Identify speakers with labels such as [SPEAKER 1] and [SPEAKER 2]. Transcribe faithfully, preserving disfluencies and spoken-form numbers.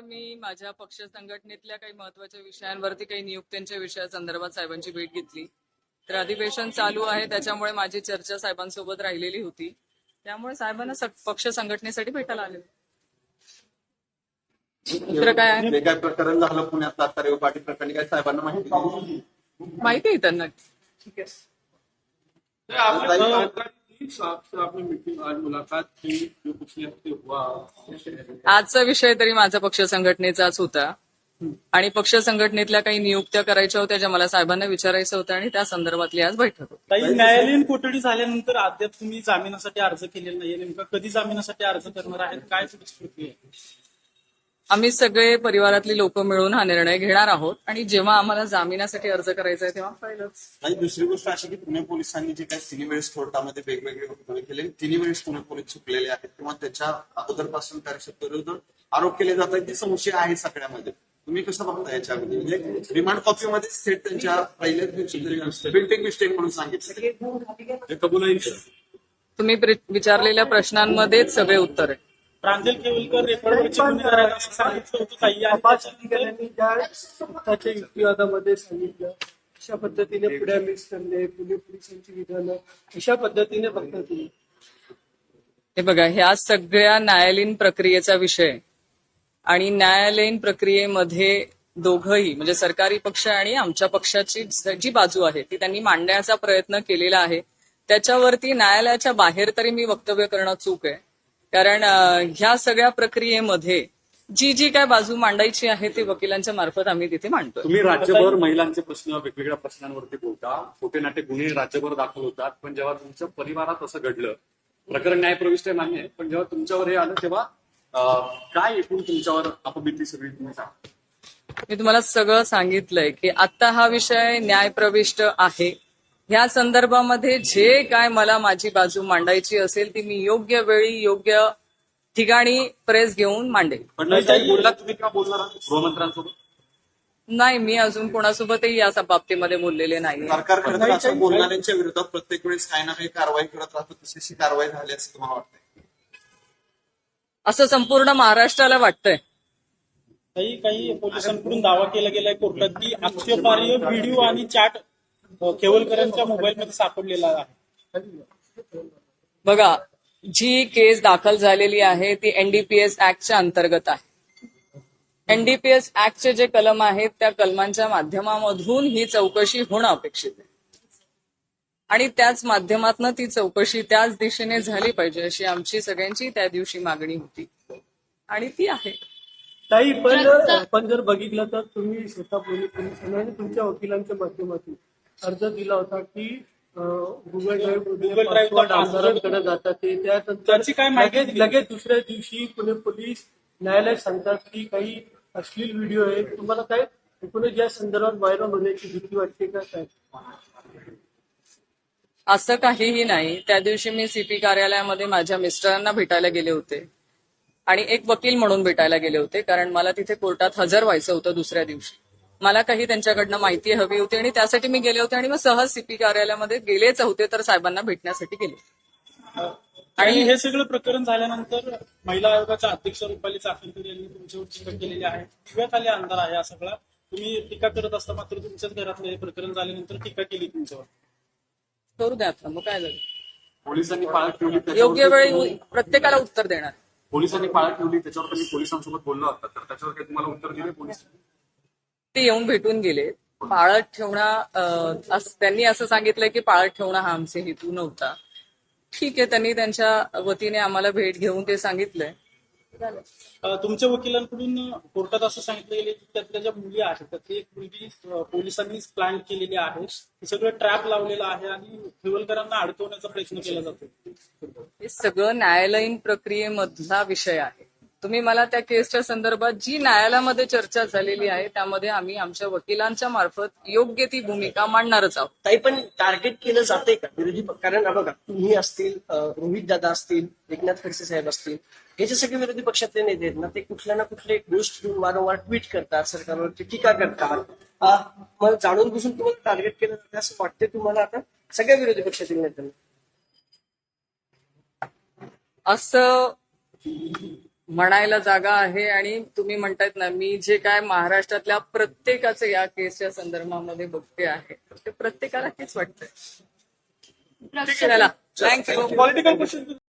[SPEAKER 1] मी माझ्या पक्ष संघटनेतल्या काही महत्वाच्या विषयांवरती काही नियुक्त्यांच्या विषयासंदर्भात साहेबांची भेट घेतली. तर अधिवेशन चालू आहे त्याच्यामुळे माझी चर्चा साहेबांसोबत राहिलेली होती. त्यामुळे साहेबांना सग- पक्ष संघटनेसाठी भेटायला आले. दुसरं काय आहे?
[SPEAKER 2] जे काय प्रकरण झालं पुण्यात तात्काळ पाटील प्रकरणी काय साहेबांना माहिती दिली?
[SPEAKER 1] माहिती आहे त्यांना. ठीक आहे.
[SPEAKER 3] आपने मीटिंग आज मुलाकात की जो पिछले हफ्ते हुआ।
[SPEAKER 1] आजचा विषय तरी माझा पक्ष संघटनेचाच होता आणि पक्ष संघटनेतल्या काही नियुक्त्या करायच्या होत्या ज्या मला साहेबांना विचारायचं होतं आणि त्या संदर्भातली आज बैठक होती.
[SPEAKER 4] काही न्यायालयीन कोठडी झाल्यानंतर अद्याप तुम्ही जामिनासाठी अर्ज केलेला नाहीये. नेमका कधी जामिनासाठी अर्ज करणार आहेत, काय पुढची प्रक्रिया आहे?
[SPEAKER 1] आम्ही सगळे परिवारातली लोक मिळून हा निर्णय घेणार आहोत आणि जेव्हा आम्हाला जामिनासाठी अर्ज करायचा आहे तेव्हा पाहिलंच.
[SPEAKER 2] आणि दुसरी गोष्ट अशी की पुणे पोलिसांनी जे काही तिन्ही वेळेस कोर्टामध्ये वेगवेगळे वक्तव्य केले, तिन्ही वेळेस पुणे पोलीस चुकलेले आहेत किंवा त्याच्या अगोदरपासून कार्यक्षेत्राविरुद्ध आरोप केले जात आहेत ती संशय आहे सगळ्यामध्ये. तुम्ही कसं बघता याच्यामध्ये? म्हणजे रिमांड कॉपीमध्ये थेट त्यांच्या पहिल्याच दिवशी बिल्डिंग मिस्टेक म्हणून सांगितलं कबूल.
[SPEAKER 1] तुम्ही प्रे- विचारलेल्या प्रश्नांमध्येच सगळे उत्तर आहे.
[SPEAKER 4] प्रांजल केवलकर रेकॉर्डवरचे गुन्हेगार आहेत असं सांगितलं होतं काही
[SPEAKER 5] अधिकाऱ्यांनी ज्या स्वतःच्या युक्तिवादामध्ये सांगितलं अशा पद्धतीने पुढे मिक्स करणे, पुणे पोलिसांची विधानं अशा पद्धतीने बघता तुम्ही.
[SPEAKER 1] हे बघा, ह्या सगळ्या न्यायालयीन प्रक्रियेचा विषय आणि न्यायालयीन प्रक्रियेमध्ये दोघंही म्हणजे सरकारी पक्ष आणि आमच्या पक्षाची जी बाजू आहे ती त्यांनी मांडण्याचा प्रयत्न केलेला आहे. त्याच्यावरती न्यायालयाच्या बाहेर तरी मी वक्तव्य करणं चूक आहे. कारण ह्या सगळ्या प्रक्रियेमध्ये जी जी काय बाजू मांडायची आहे ती वकिलांच्या मार्फत आम्ही तिथे मांडतो.
[SPEAKER 3] तुम्ही राज्यभर महिलांचे प्रश्न वेगवेगळ्या प्रश्नांवरती बोलता, खोटे नाटे गुन्हे राज्यभर दाखल होतात, पण जेव्हा तुमच्या परिवारात असं घडलं, प्रकरण न्यायप्रविष्ट आहे मान्य आहे, पण जेव्हा तुमच्यावर हे आलं तेव्हा अं, काय एकूण तुमच्यावर अपबिती सगळी तुम्ही सांगा.
[SPEAKER 1] मी तुम्हाला सगळं सांगितलंय की आता हा विषय न्यायप्रविष्ट आहे. ह्या संदर्भामध्ये जे काय मला माझी बाजू मांडायची असेल ती मी योग्य वेळी योग्य ठिकाणी प्रेस घेऊन मांडेल.
[SPEAKER 3] पण काही बोलला तुम्ही किंवा बोलणार आहात गृहमंत्र्यांसोबत?
[SPEAKER 1] नाही, मी अजून कोणासोबतही या बाबतीमध्ये बोललेले नाही.
[SPEAKER 2] सरकार खरं तर असं बोलणाऱ्यांच्या विरोधात प्रत्येक वेळेस काही ना काही कारवाई करत राहतो, तशी कारवाई झाली असं तुम्हाला वाटतंय?
[SPEAKER 1] असं संपूर्ण महाराष्ट्राला वाटतंय.
[SPEAKER 4] काही काही पोलिसांकडून दावा केला गेलाय कोर्टात की आक्षेपार्ह व्हिडिओ आणि चॅट केवलकरांच्या मोबाईलमध्ये सापडलेला आहे.
[SPEAKER 1] बघा, जी केस दाखल झालेली आहे ती एनडीपीएस ऍक्टच्या अंतर्गत आहे. एनडीपीएस ऍक्टचे जे कलम आहेत त्या कलमांच्या माध्यमामधून ही चौकशी होणं अपेक्षित आहे आणि त्याच माध्यमातून ती चौकशी त्याच दिशेने झाली पाहिजे अशी आमची सगळ्यांची त्या दिवशी मागणी होती आणि ती आहे.
[SPEAKER 5] ताई, पण आपण जर बघितलं तर तुम्ही स्वतः पोलीस पोलिसांना आणि तुमच्या वकिलांच्या माध्यमातून अर्ज दिला होता की गुगल ड्राईव्ह पासवर्ड आमदारांकडे जातात ते
[SPEAKER 4] त्याची काय
[SPEAKER 5] त्यानंतर
[SPEAKER 4] माहिती
[SPEAKER 5] लगेच
[SPEAKER 4] दिली?
[SPEAKER 5] लगेच दुसऱ्या दिवशी पुणे पोलीस न्यायालयात सांगतात की काही अश्लील व्हिडिओ आहे. तुम्हाला काय एकूणच या संदर्भात व्हायरल होण्याची भीती वाटते का काय?
[SPEAKER 1] असं काहीही नाही. त्या दिवशी मी सीपी कार्यालयामध्ये माझ्या मिस्टरांना भेटायला गेले होते आणि एक वकील म्हणून भेटायला गेले होते कारण मला तिथे कोर्टात हजर व्हायचं होतं दुसऱ्या दिवशी. मला काही त्यांच्याकडनं माहिती हवी होती आणि त्यासाठी मी गेले होते आणि मग सहज सीपी कार्यालयामध्ये गेलेच होते तर साहेबांना भेटण्यासाठी गेले.
[SPEAKER 4] आणि हे सगळं प्रकरण झाल्यानंतर महिला आयोगाच्या अध्यक्ष रुपाली चाकणकर यांनी तुमच्यावर टीका केलेली आहे. दिव्याखाली अंधार आहे हा सगळा. तुम्ही टीका करत असता मात्र तुमच्याच घरातलं हे प्रकरण झाल्यानंतर टीका केली तुमच्यावर.
[SPEAKER 1] करू द्या आता, मग काय झालं.
[SPEAKER 3] पोलिसांनी पाळत ठेवली,
[SPEAKER 1] योग्य
[SPEAKER 3] त्याच्यावर
[SPEAKER 1] वेळी प्रत्येकाला उत्तर देणार.
[SPEAKER 3] पोलिसांनी पाळत ठेवली त्याच्यावर तुम्ही पोलिसांसोबत बोलला होता, तर त्याच्यावर काही तुम्हाला उत्तर दिले पोलिस?
[SPEAKER 1] ते येऊन भेटून गेले. पाळत ठेवणं अं, अस- त्यांनी असं सांगितलंय की पाळत ठेवणं हा आमचे हेतू नव्हता. ठीक आहे, त्यांनी त्यांच्या वतीने आम्हाला भेट घेऊन ते सांगितलंय. झालं.
[SPEAKER 4] अं, तुमच्या वकिलांकडून कोर्टात असं सांगितलं गेलं की त्यातल्या ज्या मुली आहेत त्यातली एक मुलगी अं, पोलिसांनीच प्लॅन केलेली आहे. हे सगळं ट्रॅप लावलेलं आहे आणि खेवलकरांना अडकवण्याचा प्रयत्न केला जातो.
[SPEAKER 1] हे सगळं न्यायालयीन प्रक्रियेमधला विषय आहे. तुम्ही मला त्या केसच्या संदर्भात जी न्यायालयामध्ये चर्चा झालेली आहे त्यामध्ये आम्ही आमच्या वकिलांच्या मार्फत योग्य ती भूमिका मांडणारच आहोत.
[SPEAKER 6] ताई, पण टार्गेट केलं जाते का विरोधी पक्ष? कारण हा बघा, तुम्ही असतील, रोहित दादा असतील, एकनाथ खडसे साहेब असतील, हे जे सगळे विरोधी पक्षातले नेते आहेत ना, ते कुठल्या ना कुठल्या एक गोष्ट घेऊन वारंवार ट्विट करतात, सरकारवरती टीका करतात. आ, मग जाणून बुजून तुम्हाला टार्गेट केलं जाते असं वाटते तुम्हाला आता सगळ्या विरोधी पक्षातील नेत्यांना?
[SPEAKER 1] असं म्हणायला जागा आहे. आणि तुम्ही म्हणतायत ना, मी जे काय महाराष्ट्रातल्या प्रत्येकाचं या केसच्या संदर्भामध्ये बघते आहे ते प्रत्येकाला हेच वाटतंय. ठीक आहे, थँक्यू.
[SPEAKER 4] Political question